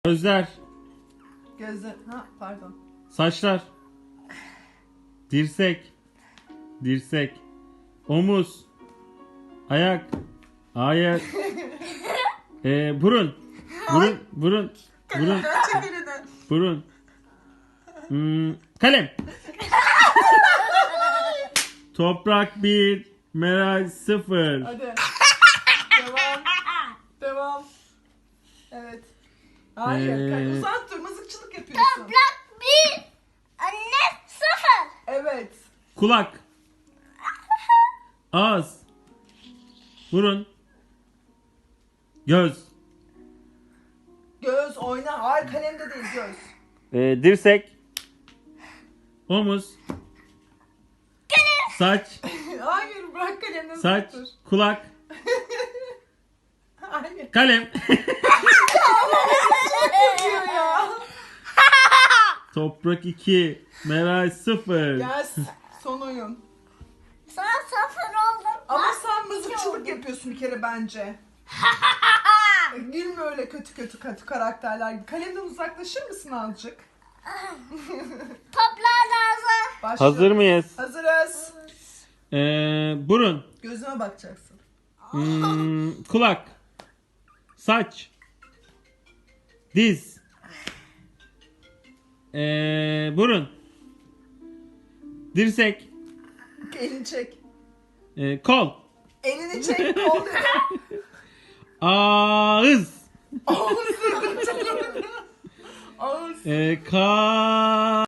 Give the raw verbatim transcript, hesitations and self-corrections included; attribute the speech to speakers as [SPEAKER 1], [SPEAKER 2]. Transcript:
[SPEAKER 1] Gözler,
[SPEAKER 2] Gözler. Ha pardon.
[SPEAKER 1] saçlar, dirsek, dirsek, omuz, ayak, ayak, ee, burun, burun, burun, burun,
[SPEAKER 2] Çek elini.
[SPEAKER 1] burun, hmm, kalem. Toprak bir, Meral sıfır.
[SPEAKER 2] Hadi. Devam. Devam. Evet. Hayır.
[SPEAKER 1] Ee,
[SPEAKER 2] Uzat dur. Mızıkçılık yapıyorsun.
[SPEAKER 3] Toprak bir, anne sıfır.
[SPEAKER 2] Evet.
[SPEAKER 1] Kulak, ağız, burun, göz,
[SPEAKER 2] Göz oyna. Hayır kalemde değil göz.
[SPEAKER 1] ee, dirsek, omuz, saç,
[SPEAKER 2] Hayır bırak kalemden.
[SPEAKER 1] saç,
[SPEAKER 2] dur.
[SPEAKER 1] kulak,
[SPEAKER 2] Hayır.
[SPEAKER 1] kalem.
[SPEAKER 2] Diyor ya.
[SPEAKER 1] Toprak iki, Meral sıfır.
[SPEAKER 2] Yes. Son oyun.
[SPEAKER 3] Sana sıfır oldum.
[SPEAKER 2] Ama
[SPEAKER 3] Bak,
[SPEAKER 2] sen
[SPEAKER 3] iki
[SPEAKER 2] mızıkçılık
[SPEAKER 3] oldum.
[SPEAKER 2] yapıyorsun bir kere bence. Gülme öyle kötü kötü kötü karakterler gibi. Kalemden uzaklaşır mısın azıcık?
[SPEAKER 3] Toplar lazım.
[SPEAKER 2] Başlıyoruz.
[SPEAKER 1] Hazır mıyız?
[SPEAKER 2] Hazırız.
[SPEAKER 1] Ee, burun,
[SPEAKER 2] Gözüme bakacaksın.
[SPEAKER 1] hmm, kulak, saç, diz, ee, burun, dirsek,
[SPEAKER 2] Elini çek.
[SPEAKER 1] ee, kol,
[SPEAKER 2] Elini çek. Kol dedi.
[SPEAKER 1] ağız,
[SPEAKER 2] Ağız dedi. Ağız.
[SPEAKER 1] ee, ka